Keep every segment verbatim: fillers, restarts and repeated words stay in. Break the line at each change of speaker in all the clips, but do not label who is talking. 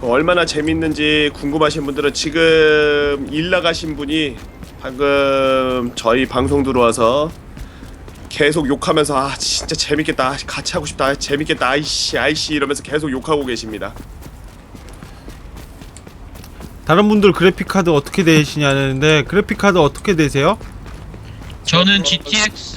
얼마나 재밌는지 궁금하신 분들은 지금 일 나가신 분이 방금 저희 방송 들어와서 계속 욕하면서 아 진짜 재밌겠다, 같이 하고 싶다, 재밌겠다, 아이씨 아이씨 이러면서 계속 욕하고 계십니다.
다른 분들 그래픽카드 어떻게 되시냐는데 그래픽카드 어떻게 되세요?
저는 지티엑스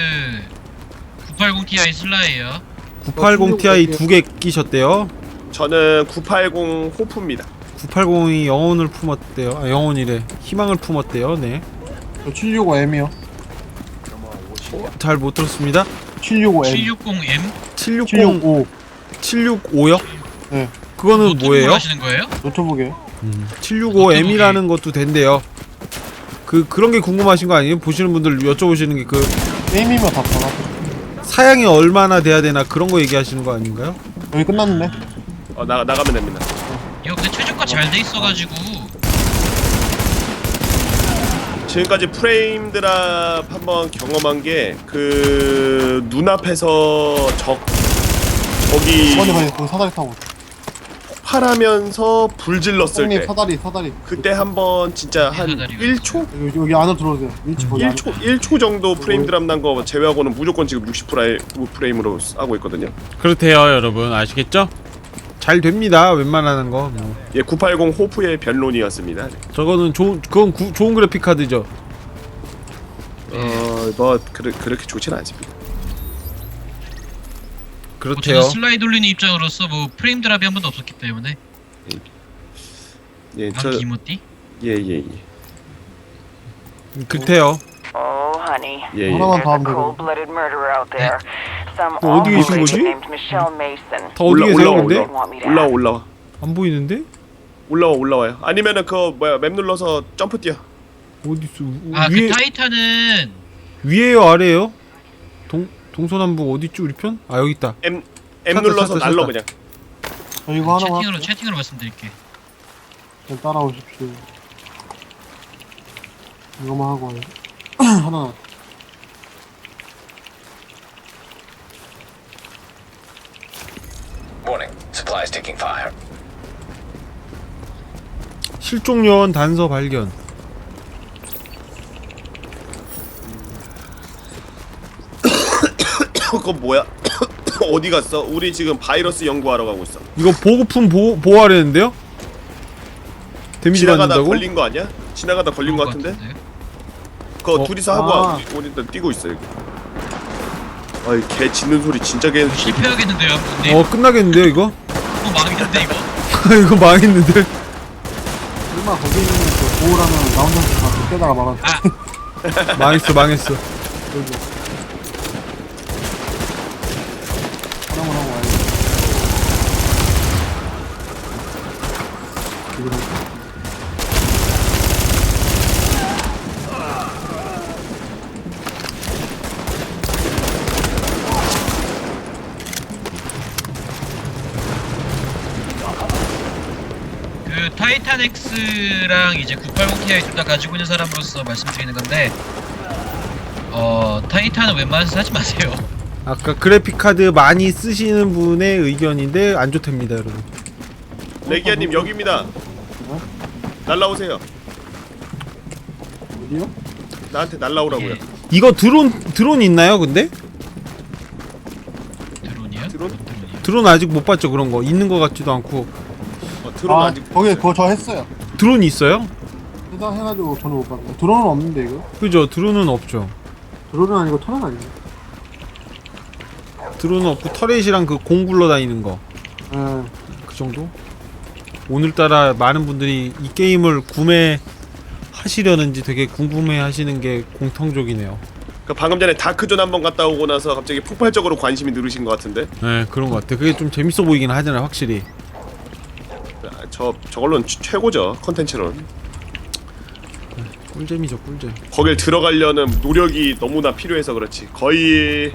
구백팔십 티아이 슬라이에요.
구백팔십 티아이 두 개 끼셨대요.
저는 구백팔십 호프입니다.
구백팔십이 영혼을 품었대요. 아 영혼이래. 희망을 품었대요. 네.
저 칠백육십오 엠이요.
어, 잘 못 들었습니다.
칠백육십오 엠.
칠백육십 엠?
칠백육십
칠백육십오.
칠백육십오요?
네.
그거는 뭐예요?
하시는 거예요?
노트북이에요.
음, 칠백육십오 엠이라는 것도 된대요. 그 그런 게 궁금하신 거 아니에요? 보시는 분들 여쭤보시는 게 그
게임이면 다 받아.
사양이 얼마나 돼야 되나 그런 거 얘기하시는 거 아닌가요?
여기 끝났는데?
어 나 나가면 됩니다.
이거 근데 최저가 잘 돼 있어가지고
지금까지 프레임 드랍 한번 경험한 게 그 눈앞에서 적 적이
이번에 봐요. 그 사다리 타고.
폭발하면서 불 질렀을
형님
때
사다리 사다리.
그때 한번 진짜 한
사다리가
일 초?
여기, 여기 안으로 들어오세요. 일치 거기
일 초, 일 초 정도 프레임 드랍 난 거 제외하고는 무조건 지금 육십 프레임으로 하고 있거든요.
그렇대요, 여러분. 아시겠죠? 잘 됩니다. 웬만하는 거. 뭐.
예, 구백팔십 호프의 변론이었습니다.
저거는 좋은 그건 구, 좋은 그래픽 카드죠.
어, 뭐 그르, 그렇게 좋진 않습니다.
뭐
그렇대요.
저는 슬라이 돌리는 입장으로서 뭐 프레임 드랍이 한 번도 없었기 때문에
예, 저
아 기모띠?
예, 예, 예.
그렇대요.
Oh, honey.
예, 예.
하나만
There's
더
a
하면 되거든.
cold-blooded murderer out there. Some
어, 어디 계신
awful
거지?
lady named Michelle Mason.
다 어디
올라
계세요,
올라와
근데?
올라와 올라와 올라와
안 보이는데?
올라와 올라와요. 아니면은 그 뭐야 맵 눌러서 점프 뛰어.
어디 있어?
아 그
위에
타이탄은
위에요, 아래에요? 동 동서남북 어디 있죠, 우리 편? 아, 여기 있다.
M M
찾았다,
눌러서
찾았다,
날러
찾았다.
그냥.
저 이거 하나만
채팅으로
할게요.
채팅으로 말씀드릴게.
좀 따라오십시오. 이거만 하고 와요. 하나.
Warning, supplies taking fire.
실종 요원 단서 발견.
그건 뭐야? 어디 갔어? 우리 지금 바이러스 연구하러 가고 있어.
이거 보급품 보호 보호하려는데요? 데미지
지나가다
받는다고?
걸린 거 아니야? 지나가다 걸린 거 같은데? 그거
어,
둘이서 하고
아.
와. 우리 일단 뛰고 있어 여기. 아이 개 짖는 소리 진짜 개.
실패하겠는데요, 근데
어, 끝나겠는데요, 이거?
어 망했는데 이거.
이거 망했는데.
얼마 거기 있는 그 보호라면 나 혼자 다 깨다가 말았어.
아
망했어, 망했어.
하나만 하고 와요. 이거
그 타이탄 X랑 이제 구백팔십 티아이 둘 다 가지고 있는 사람으로서 말씀드리는 건데 어 타이탄은 웬만해서 사지 마세요.
아까 그래픽 카드 많이 쓰시는 분의 의견인데 안 좋답니다, 여러분.
레기아님 여기입니다.
어?
날라오세요.
어디요?
나한테 날라오라고요.
예,
이거 드론 드론 있나요, 근데?
드론이요?
드론?
뭔 드론이요?
드론 아직 못 봤죠, 그런 거. 있는 거 같지도 않고.
어, 드론
아,
아직.
거기 그거 저 했어요.
드론이 있어요?
해당 해가지고 저는 못 봤어요. 드론은 없는데 이거?
그죠? 드론은 없죠.
드론은 아니고 터널 아니에요?
드론은 없고 터렛이랑 그 공 굴러다니는 거.
예.
그 정도? 오늘따라 많은 분들이 이 게임을 구매하시려는지 되게 궁금해 하시는 게 공통적이네요.
그 방금 전에 다크존 한번 갔다 오고 나서 갑자기 폭발적으로 관심이 늘으신 것 같은데.
네, 그런 것 같아. 그게 좀 재밌어 보이긴 하잖아요, 확실히.
아, 저 저걸로는 최- 최고죠 컨텐츠는.
꿀잼이죠, 꿀잼.
거길 들어가려는 노력이 너무나 필요해서 그렇지. 거의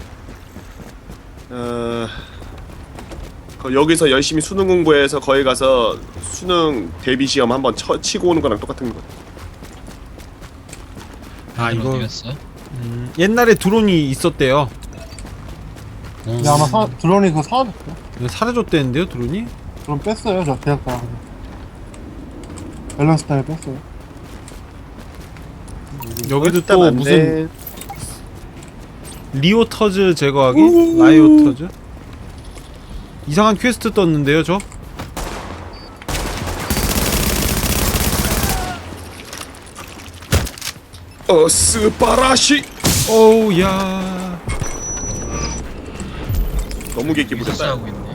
어, 거- 여기서 열심히 수능 공부해서 거기 가서 수능 대비 시험 한번 쳐, 치고 오는 거랑 똑같은 거.
아, 이거
어디 갔어?
음, 옛날에 드론이 있었대요.
근데 아마 사, 드론이 그거 사라졌어요.
이거 사라졌대는데요, 드론이?
드론 뺐어요 저 대학 다. 밸런스 타일 뺐어요.
여기도
일단
또
안
무슨
돼.
리오터즈 제거하기? 라이오터즈? 이상한 퀘스트 떴는데요, 저?
어 스파라시.
어우, 야.
너무 객기
여기서
부렸다.
싸우고 있네.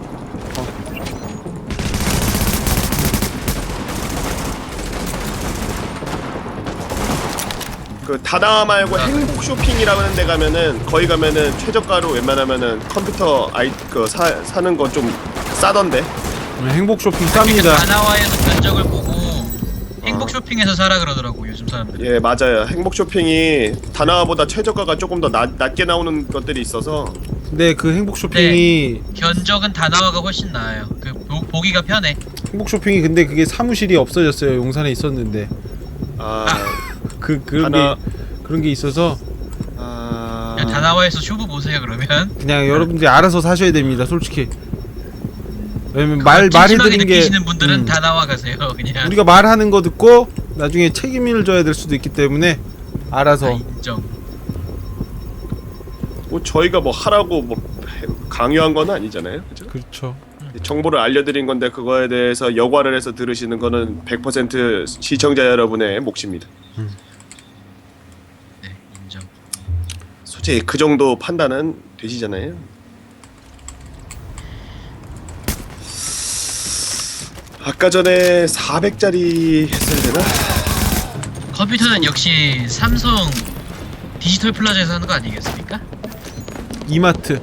그 다나 말고 행복 쇼핑이라고 하는 데 가면은 거기 가면은 최저가로 웬만하면은 컴퓨터 아이 그 사, 사는 거 좀 싸던데.
행복 쇼핑
그러니까
쌉니다.
다나와에서 견적을 보고 행복 쇼핑에서 사라 그러더라고 요즘 사람들이.
예 맞아요. 행복 쇼핑이 다나보다 최저가가 조금 더 낮, 낮게 나오는 것들이 있어서.
근데 그 행복 쇼핑이
견적은 다나와가 훨씬 나아요. 그 보, 보기가 편해.
행복 쇼핑이 근데 그게 사무실이 없어졌어요. 용산에 있었는데.
아,
그 그런
하나-
게 그런 게 있어서
아...
그냥 다나와에서 쇼부 보세요 그러면.
그냥 여러분들이 알아서 사셔야 됩니다. 솔직히. 왜냐면
말
말 말해드린 게
느끼시는 분들은
음,
다나와 가세요 그냥.
우리가 말하는 거 듣고 나중에 책임을 져야 될 수도 있기 때문에 알아서.
아, 인정.
뭐 저희가 뭐 하라고 뭐 강요한 건 아니잖아요, 그죠?
그렇죠.
정보를 알려드린 건데 그거에 대해서 여과를 해서 들으시는 거는 백 퍼센트 시청자 여러분의 몫입니다.
네 인정.
솔직히 그 정도 판단은 되시잖아요. 아까 전에 사백짜리 했어야 되나?
컴퓨터는 역시 삼성 디지털 플라자에서 하는 거 아니겠습니까?
이마트.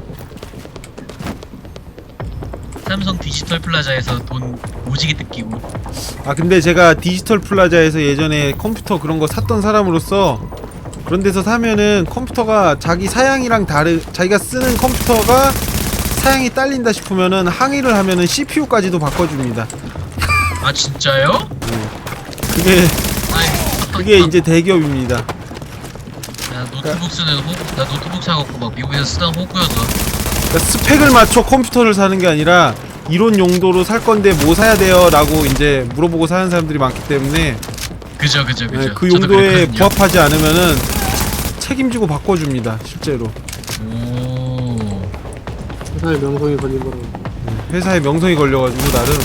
삼성 디지털 플라자에서 돈 오지게 뜯기고.
아 근데 제가 디지털 플라자에서 예전에 컴퓨터 그런 거 샀던 사람으로서 그런 데서 사면은 컴퓨터가 자기 사양이랑 다르 자기가 쓰는 컴퓨터가 사양이 딸린다 싶으면은 항의를 하면은 씨피유까지도 바꿔줍니다.
아 진짜요?
그게
아이,
그게 이제 대기업입니다.
나 노트북 쓰는 호, 나 노트북 사갖고 막 미국에서 쓰던 호구여서.
그러니까 스펙을 맞춰 컴퓨터를 사는 게 아니라 이론 용도로 살 건데 뭐 사야 돼요? 라고 이제 물어보고 사는 사람들이 많기 때문에
그죠 그죠 그죠.
네, 그
저도
용도에
그랬거든요.
부합하지 않으면은 책임지고 바꿔줍니다. 실제로.
오.
회사의 명성이 걸린 거로.
회사에 명성이 걸려가지고 나름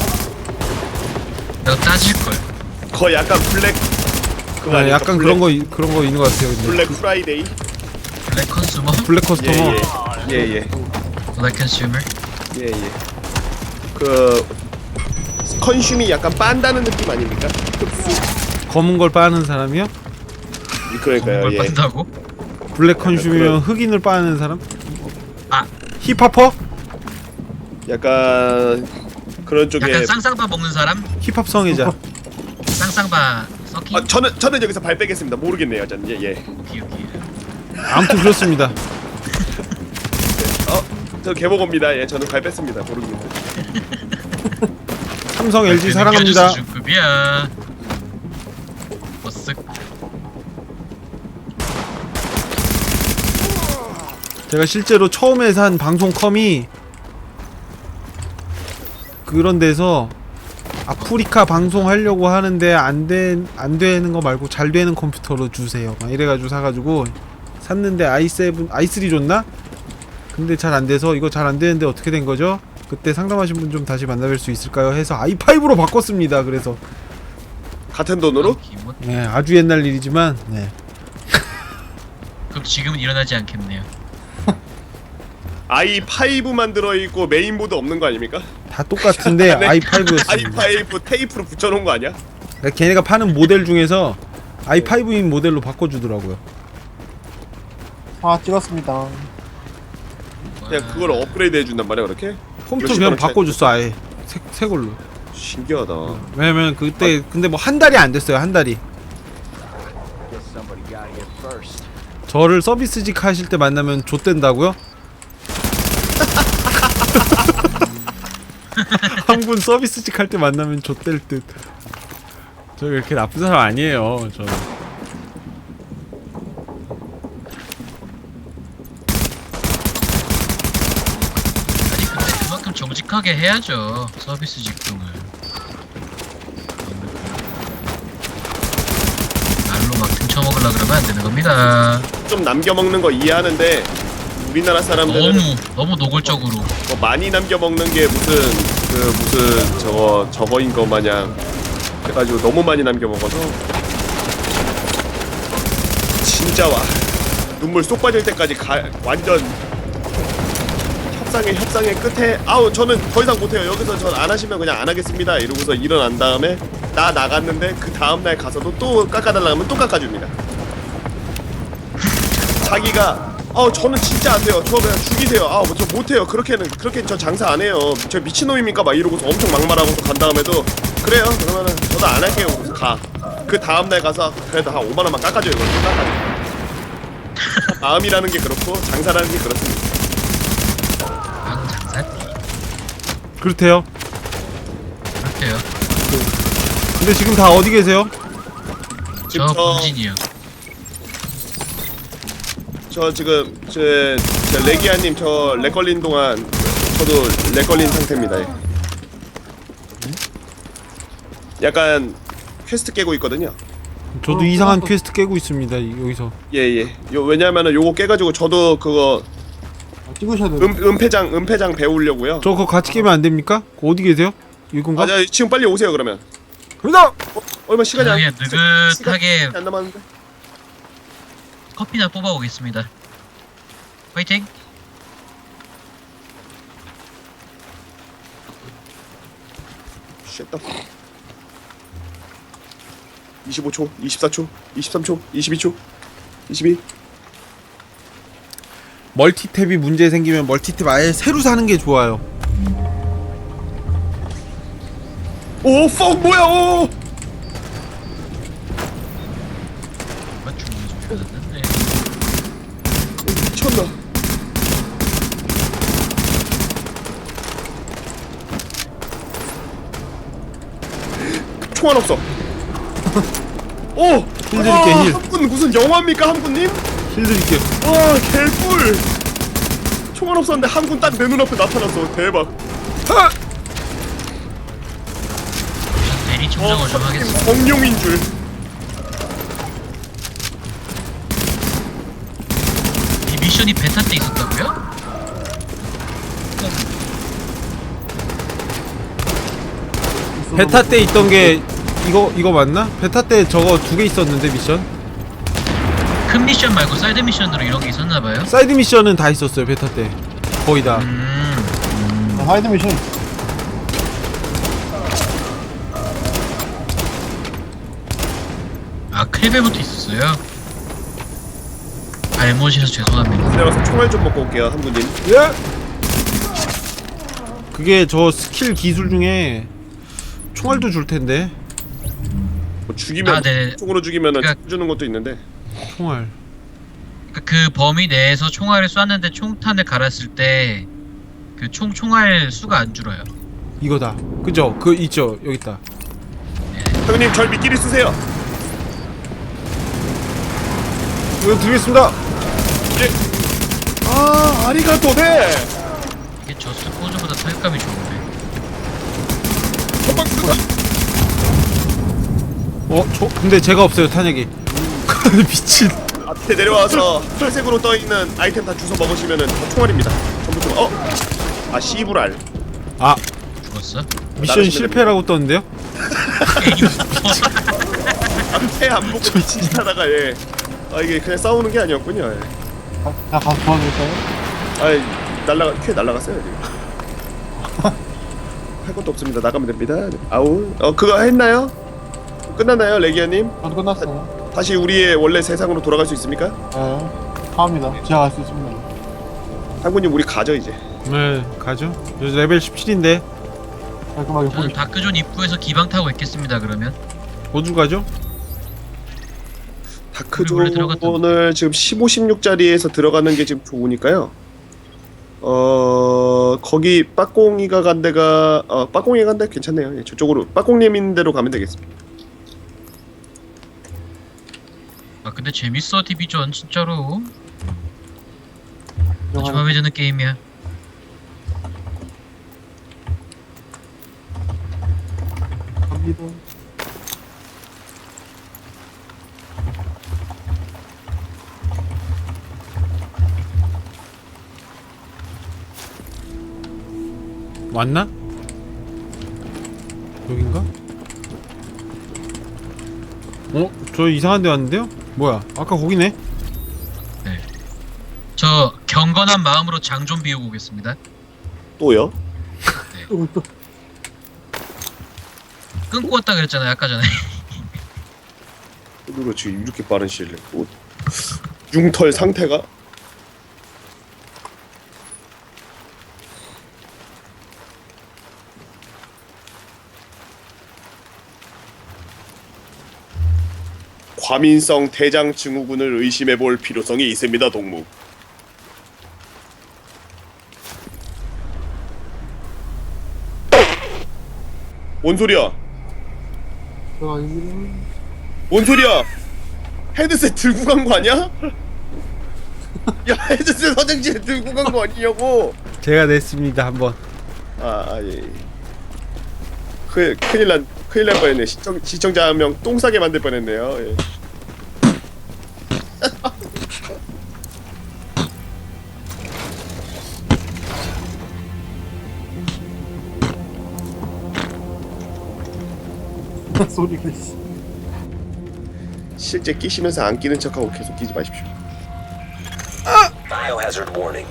내가 따질 걸.
거의 약간 블랙 그거
아,
아닐까?
약간
블랙,
그런 거 이- 그런 거 있는 것 같아요. 근데
블랙 프라이데이.
블랙 컨슈머,
블랙 커스터머.
예예
블랙 컨슈머.
예예. 그 컨슘이 약간 빤다는 느낌 아닙니까? 흡수.
검은 걸 빠는 사람이요?
그러니까요.
뭘
예.
빤다고?
블랙 컨슈미면
그런-
흑인을 빠는 사람?
아.
힙합퍼?
약간 그런 쪽에.
약간 쌍쌍바 먹는 사람?
힙합 성애자.
쌍쌍바 썩기?
아, 저는 저는 여기서 발 빼겠습니다. 모르겠네요, 저는. 예 예.
오케이 오케이.
아무튼 그렇습니다.
어, 저 개보고입니다. 예, 저는 발 뺐습니다. 모르겠는데.
삼성
아,
엘지 사랑합니다.
중급이야. 버쓱.
제가 실제로 처음에 산 방송컴이 그런 데서 아프리카 방송하려고 하는데 안된 안 되는 거 말고 잘 되는 컴퓨터로 주세요. 막 이래가지고 사가지고 샀는데 아이 세븐 아이 쓰리 줬나? 근데 잘 안 돼서 이거 잘 안 되는데 어떻게 된 거죠? 그때 상담하신 분 좀 다시 만나뵐 수 있을까요? 해서 아이 파이브로 바꿨습니다. 그래서
같은 돈으로?
기본.
네, 아주 옛날 일이지만 네.
그럼 지금은 일어나지 않겠네요.
아이 파이브만 들어 있고 메인보드 없는 거 아닙니까?
다 똑같은데
네.
아이 파이브였습니다.
아이 파이브 테이프로 붙여 놓은 거 아니야?
그러니까 걔네가 파는 모델 중에서 아이 파이브인 모델로 바꿔주더라고요.
아 찍었습니다.
그냥 그걸 업그레이드 해 준단 말이야, 그렇게?
컴퓨터
몇십
그냥
원을 차-
바꿔줬어 아예 새, 새 걸로.
신기하다.
왜냐면 그때 근데 뭐 한 달이 안 됐어요. 한 달이. 저를 서비스직 하실 때 만나면 좆된다고요? 한 분 서비스직 할 때 만나면 좆될 듯. 저 그렇게 나쁜 사람 아니에요. 저.
아니 근데 그만큼 정직하게 해야죠 서비스 직종을. 그걸로 막 등쳐먹으려 그러면 안 되는 겁니다.
좀 남겨 먹는 거 이해하는데 우리나라 사람들은
너무 너무 노골적으로.
뭐 많이 남겨 먹는 게 무슨 그 무슨 저거 저거인 거 마냥 해가지고 너무 많이 남겨 먹어서 진짜 와 눈물 쏙 빠질 때까지 가, 완전 협상의 협상의 끝에 아우 저는 더 이상 못해요 여기서 전 안 하시면 그냥 안 하겠습니다 이러고서 일어난 다음에 나 나갔는데 그 다음날 가서도 또 깎아달라고 하면 또 깎아줍니다. 자기가 어 저는 진짜 안 돼요. 저 그냥 죽이세요. 아, 뭐 저 못해요. 그렇게는 그렇게 저 장사 안 해요. 저 미친놈입니까? 막 이러고서 엄청 막말하고서 간 다음에도 그래요. 그러면은 저도 안 할게요. 그래서 가. 그 다음 날 가서 그래도 한 오만 원만 깎아줘요. 이걸 또 깎아줘. 마음이라는 게 그렇고 장사라는 게 그렇습니다.
방 장사띠.
그렇대요.
그렇대요.
근데 지금 다 어디 계세요?
저 본진이요.
저 지금 저, 저 레기아님 저 렉 걸린 동안 저도 렉 걸린 상태입니다. 예. 약간 퀘스트 깨고 있거든요.
저도
어,
이상한
어,
퀘스트 깨고 있습니다. 이- 여기서.
예예. 요 왜냐면은 요거 깨가지고 저도 그거
아, 찍으셔야 돼요.
음 은폐장 은폐장 배우려고요.
저 그거 같이 깨면 안 됩니까? 그거 어디 계세요? 이건가?
맞아 지금 빨리 오세요 그러면.
갑니다.
어, 얼마 시간이 안
그냥 느긋하게
시간이 안 남았는데.
커피나 뽑아오겠습니다. 파이팅!
쉣다. 이십오 초, 이십사 초, 이십삼 초, 이십이 초, 이십이.
멀티탭이 문제 생기면 멀티탭 아예 새로 사는 게 좋아요.
오, 펑 뭐야? 오.
맞춤 소리가 났는데.
미쳤나? 총알 없어. 오!
힐 드릴게, 힐.
한군 무슨 영화입니까 한군님?
힐 드릴게요.
와 개꿀. 총알 없었는데 한군 딱 내 눈앞에 나타났어. 대박. 하!
대리 청정을 좀 하겠습니다.
공룡인 줄.
이 미션이 베타 때 있었다고요?
베타 때 있던 게 이거 이거 맞나? 베타 때 저거 두 개 있었는데 미션.
큰 미션 말고 사이드 미션으로 이런 게 있었나봐요?
사이드 미션은 다 있었어요 베타 때. 거의 다.
음...
아, 하이드 미션.
아 클벨부터 있었어요? 알못이라서 죄송합니다.
내가서 총알 좀 먹고 올게요 한군님.
예. 그게 저 스킬 기술 중에 총알도 줄 텐데.
뭐 죽이면
아, 네.
총으로 죽이면은
그러니까-
주는 것도 있는데.
총알.
그, 그 범위 내에서 총알을 쐈는데 총탄을 갈았을 때 그 총 총알 수가 안 줄어요.
이거다. 그죠? 그 있죠. 여기 있다.
형님 절 미끼리 쓰세요.
이거 드리겠습니다.
예. 아 아리가토네.
이게 저스 포즈보다 타격감이 좋은데.
한방 쓰다.
어, 저 근데 제가 없어요 탄약이. 미친.
앞에 내려와서 혈색으로 떠 있는 아이템 다 주워 먹으시면은 다 총알입니다. 전부 총. 어? 아 씨부랄.
아
죽었어?
미션 실패라고 떴는데요?
앞에 안 보고 미친 짓 하다가 예. 아 이게 그냥 싸우는 게 아니었군요. 예.
가, 나 가서 도와드릴까요?
아이 날라가 퀴 날라갔어요 지금. 할 것도 없습니다. 나가면 됩니다. 아우. 어 그거 했나요? 끝났나요, 레기아님?
저도 끝났어요.
다시 우리의 원래 세상으로 돌아갈 수 있습니까?
네. 갑니다. 제가 갈 수 있습니다.
한군님 우리 가죠 이제.
네 가죠. 저 레벨 십칠인데
깔끔하게
저는
포기.
다크존 입구에서 기방 타고 있겠습니다. 그러면
어디로 가죠?
원래 들어갔던
다크존을 지금 십오, 십육짜리에서 들어가는 게 지금 좋으니까요. 어 거기 빠꽁이가 간 데가 어 빠꽁이가 간 데 괜찮네요. 예, 저쪽으로 빠꽁님인 데로 가면 되겠습니다.
아 근데 재밌어 디비전 진짜로. 아주
들어가는-
마음에 드는 게임이야.
갑니다.
왔나? 여긴가? 어? 저 이상한 데 왔는데요? 뭐야? 아까 거기네?
저 경건한 마음으로 장 좀 비우고 오겠습니다.
또요?
또, 또.
끊고 왔다 그랬잖아요 아까 전에.
누가 지금 이렇게 빠른 시일 내에 또 융털 상태가? 과민성 대장 증후군을 의심해볼 필요성이 있습니다, 동무. 뭔 소리야?
저 아닙니다.
뭔 소리야? 헤드셋 들고 간 거 아니야? 야, 헤드셋 화장실에 들고 간 거 아니냐고?
제가 냈습니다 한번.
아, 아 예. 큰 큰일 난 큰일 날 뻔했네. 시청 시청자 한 명 똥 싸게 만들 뻔했네요. 예.
소리가 씨.
실제 끼시면서 안 끼는 척하고 계속 끼지 마십시오.
Biohazard warning.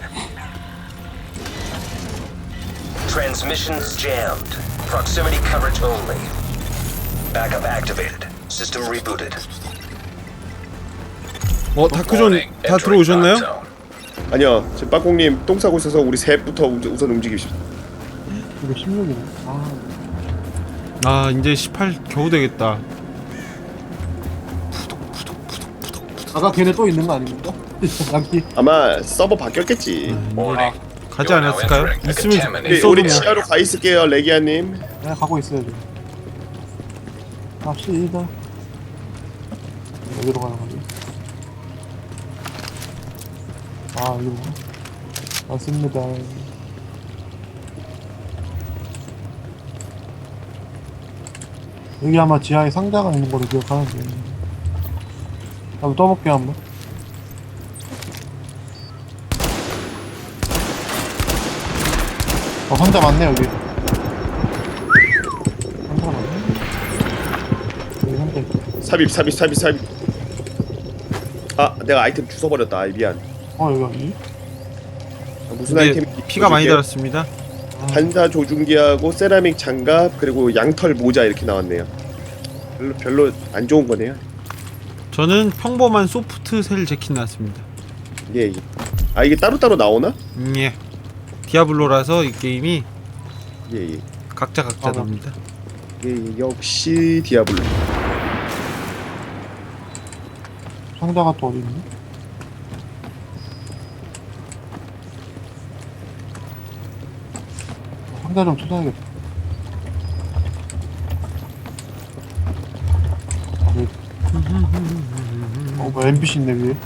Transmissions jammed. Proximity coverage only. Backup activated. System rebooted.
어 다크존
Warning.
다
Entering
들어오셨나요?
drop zone.
아니요, 지금 빠꽁님 똥 싸고 있어서 우리 셋부터 우선, 우선 움직입시다.
이거 십육이네. 아,
아 이제 십팔 겨우 되겠다.
아까 걔네 또 있는 거 아닙니까? 남기.
아마 서버 바뀌었겠지.
Warning.
가지
You are now
않았을까요?
entering a
있으면
contaminated
우리,
있어도
우리
뭐.
지하로 가 있을게요, 레기아님.
내가 가고 있어야지. 갑시다. 어디로 가는 거지? 아, 이거 맞습니다. 여기 아마 지하에 상자가 있는 걸로 기억하는데. 한번 떠볼게요, 한번. 어, 상자 많네, 여기. 상자 많네. 여기 상자 있다.
삽입, 삽입, 삽입, 삽입. 아, 내가 아이템 주워버렸다. 아이, 미안.
어, 여기, 여기.
아, 무슨
근데
아이템?
피가 많이 달았습니다.
반사 조준기하고 세라믹 장갑 그리고 양털 모자 이렇게 나왔네요. 별로 별로 안 좋은 거네요.
저는 평범한 소프트 셀 재킷 나왔습니다.
예, 예. 아 이게 따로 따로 나오나?
음, 예. 디아블로라서 이 게임이
예, 예.
각자 각자
아,
나옵니다.
예, 예. 역시 디아블로.
상자가 또 어디 있니? 상자 좀 찾아야겠다. 아, 여기. 어, 뭐 엠비씨 있네 위에.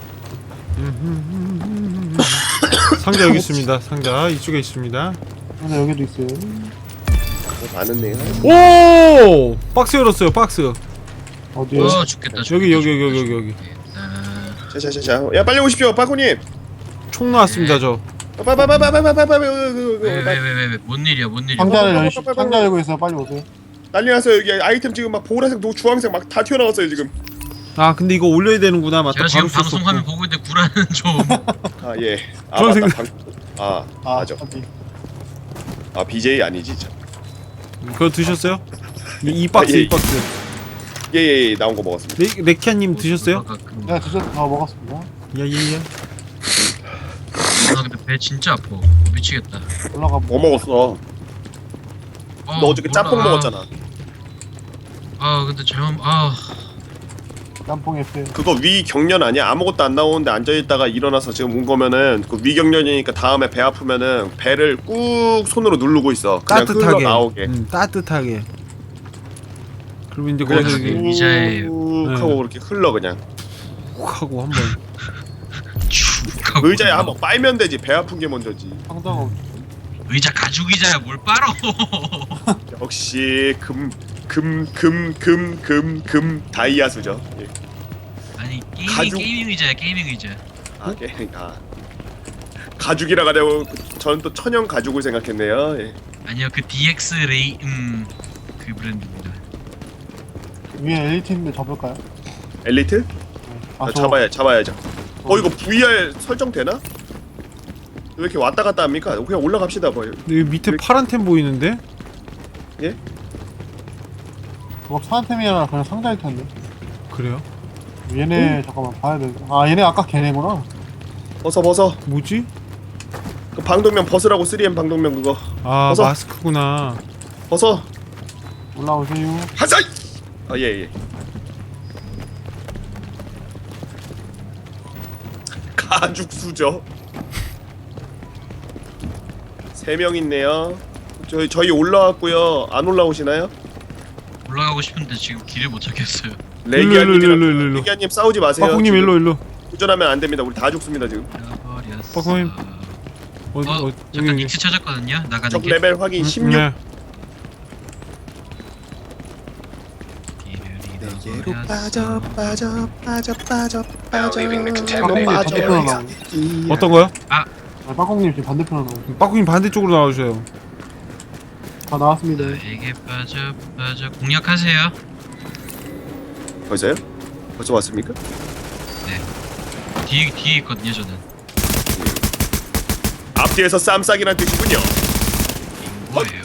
상자 여기 있습니다. 상자 이쪽에 있습니다.
상자 여기도 있어요.
어, 많았네요.
오! 박스 열었어요. 박스.
어디에?
어 죽겠다. 죽겠다,
여기 여기
죽겠다,
여기 여기 여기.
죽겠다.
자자자자. 야 빨리 오십시오, 빠코님.
총 나왔습니다. 저.
빠빠빠빠빠빠빠빠.
왜왜왜왜뭔 일이야 뭔 일이야?
상자를 열 상자 열고 있어요. 빨리 오세요.
난리 났어요. 여기 아이템 지금 막 보라색, 노 주황색 막 다 튀어나왔어요 지금.
아 근데 이거 올려야 되는구나. 맞다.
제가 지금
바로
방송
썼었고.
화면 보고 있는데 구라는 좀.
아 예. 아
주황색.
맞다. 방... 아,
아,
맞아.
어디?
아 비제이 아니지. 참.
그거 드셨어요? 이, 이 박스
아, 예,
이 박스.
예예예. 나온 거 먹었습니다.
레, 레키아님 드셨어요?
아, 그-
내가 드셨 아 먹었습니다.
야예예.
아 근데 배 진짜 아파. 어, 미치겠다.
뭐
올라가 보.
먹었어?
어,
너 어저께
몰라.
짬뽕 먹었잖아.
아 근데 잘못 아
짬뽕 에페.
그거 위경련 아니야? 아무것도 안 나오는데 앉아있다가 일어나서 지금 온 거면은 그 위경련이니까 다음에 배 아프면은 배를 꾹 손으로 누르고 있어. 그냥
따뜻하게.
흘러 나오게.
음, 따뜻하게. 그리고 이제
그래서
거기서
그래,
이렇게
의자에-
꾹
네.
하고 그렇게 흘러 그냥.
훅 하고 한번.
쭉 하고
의자에
올라가.
한번 빨면 되지. 배 아픈 게 먼저지.
상자가 없.
의자 가죽 의자야 뭘 빨어?
역시 금 금 금 금 금 금 다이아수죠. 예.
아니 게이밍
가죽-
게이밍 의자야 게이밍 의자.
아, 게, 아 가죽이라 가려고 저는 또 천연 가죽을 생각했네요. 예.
아니요 그 디엑스 레이 음그 브랜드입니다.
위에 엘리트인데 접을까요?
엘리트?
아,
아,
저-
잡아야 잡아야죠. 어 이거 브이알 설정 되나? 왜 이렇게 왔다 갔다 합니까? 그냥 올라갑시다 뭐.
근데 여기 밑에 파란 템 보이는데?
예?
그거 사한템이 아니라 그냥 상자일 텐데.
그래요?
얘네 잠깐만 봐야 돼. 아 얘네 아까 걔네구나.
벗어 벗어.
뭐지?
그 방독면 벗으라고 쓰리엠 방독면 그거.
아
벗어.
마스크구나.
벗어.
올라오세요.
하사이. 아 예 예. 가죽수저. 세 명 있네요. 저희 저희 올라왔고요. 안 올라오시나요?
올라가고 싶은데 지금 길을 못 찾겠어요.
일로, 일로, 일로, 일로, 일로.
레기아님이랑 레기아님 싸우지 마세요.
빠꾸님
지금
일로 일로.
도전하면 안 됩니다. 우리 다 죽습니다 지금.
버렸어.
빠꾸님. 어디
어,
어,
잠깐
여기
익스 찾았거든요. 나가는
적
길.
레벨 확인
음,
십육.
네.
길을
내게로 빠져
잃어버렸어.
빠져 빠져 빠져
Now
빠져.
leaving the
빠꾸님
contaminated
반대편으로
area.
나오고.
어떤 거요?
아 빠꾸님 지금 반대편으로 나오고.
빠꾸님 반대쪽으로 나와주세요.
다 나왔습니다.
나에게 빠져 빠져 공략하세요.
벌써요? 벌써 왔습니까?
뒤에 뒤에 있거든요 저는.
앞뒤에서 쌈싸기란 뜻이군요.
뭐예요?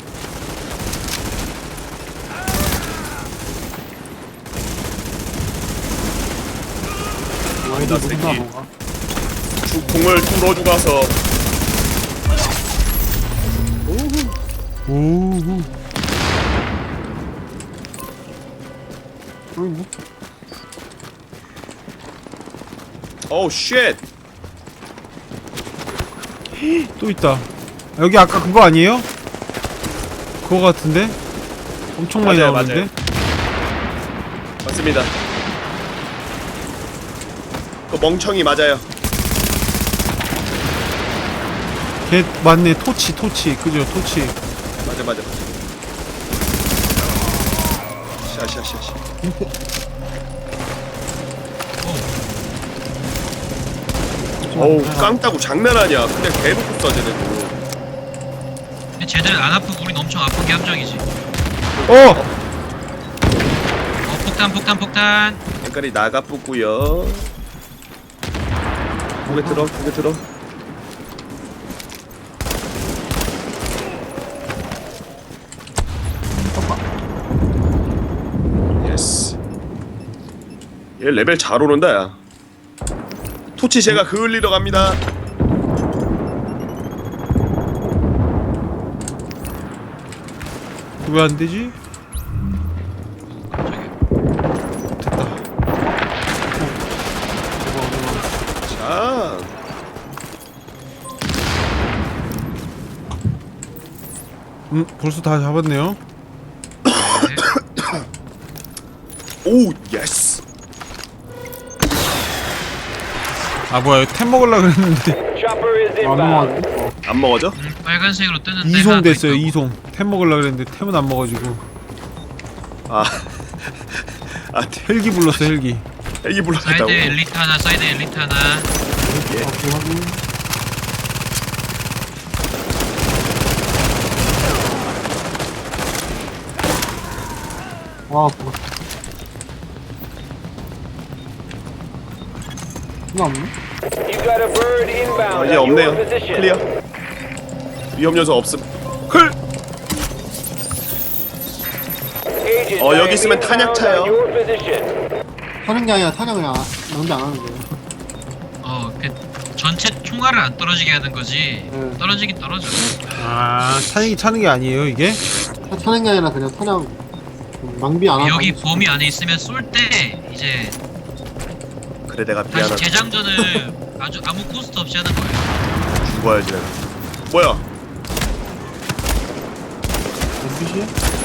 와이드
나
무슨
새끼.
나무가?
주공을 뚫어주 가서
오우.
또 있네.
어우 쉣.
또 있다. 여기 아까 그거 아니에요? 그거 같은데? 엄청 많이
맞아요,
나오는데?
맞습니다. 그 멍청이 맞아요.
걔 맞네. 토치 토치 그죠? 토치.
맞아 맞아. 샤샤샤샤. 어우 깡따구 장난 아니야. 그냥 대놓고 써 쟤네도.
근데 쟤들 안 아프고 우린 엄청 아픈 게 함정이지.
어!
어 폭탄 폭탄 폭탄.
색깔이 나가 뿌고요. 고개 들어 고개 들어. 예스. 얘 레벨 잘 오른다 야. 토치 제가 그을리러 갑니다.
왜 안 되지?
자.
음 벌써 다 잡았네요.
오 예스.
아 뭐야 템 먹으려 그랬는데
안 넘어가네. 어.
안 먹어져?
음, 빨간색으로 뜨는데
이송
하나 더
됐어요.
있다고.
이송. 템 먹으려 그랬는데 템은 안 먹어지고
아. 아
헬기 불렀어 헬기.
헬기 불러갔다고.
사이드 엘리트 하나 사이드 엘리트 하나.
예.
오케이 확인. 와 아프다. 이거 없네?
아, 이제 없네요. 클리어. 위험 요소 없음. 클. 어 여기 있으면 탄약 차요.
타는 게 아니라 탄약을 안, 낭비 안 하는 거예요.
어, 그 전체 총알을 안 떨어지게 하는 거지.
네.
떨어지긴 떨어져.
아 탄약이 차는 게 아니에요 이게?
타- 타는 게 아니라 그냥 탄약 좀 낭비 안 하고.
여기 범위 안에 있으면 쏠 때 이제
그래 내가
다시
미안하다.
재장전을 아주 아무 코스트 없이 하는 거예요.
죽어야지 내가. 뭐야?
엔피씨?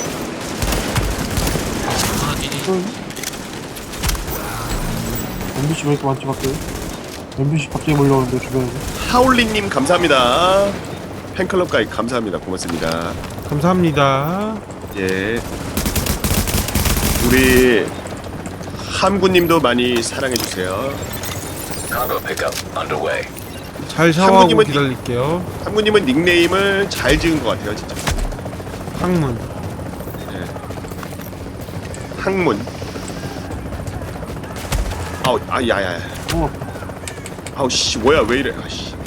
아, 이- 이-
또 있네? 엔피씨 왜 이렇게 많지 밖에? 엔피씨 갑자기 몰려오는데 주변에.
하울링님 감사합니다. 팬클럽 가입 감사합니다. 고맙습니다.
감사합니다.
예. 우리 함구님도 많이 사랑해 주세요.
Cargo pickup underway.
잘 샤워하고
한국님은-
기다릴게요.
함구님은 닉네임을 잘 지은 것 같아요, 진짜.
항문.
항문. 아우, 아, 야야야.
어,
아우 씨, 뭐야, 왜 이래? 아씨.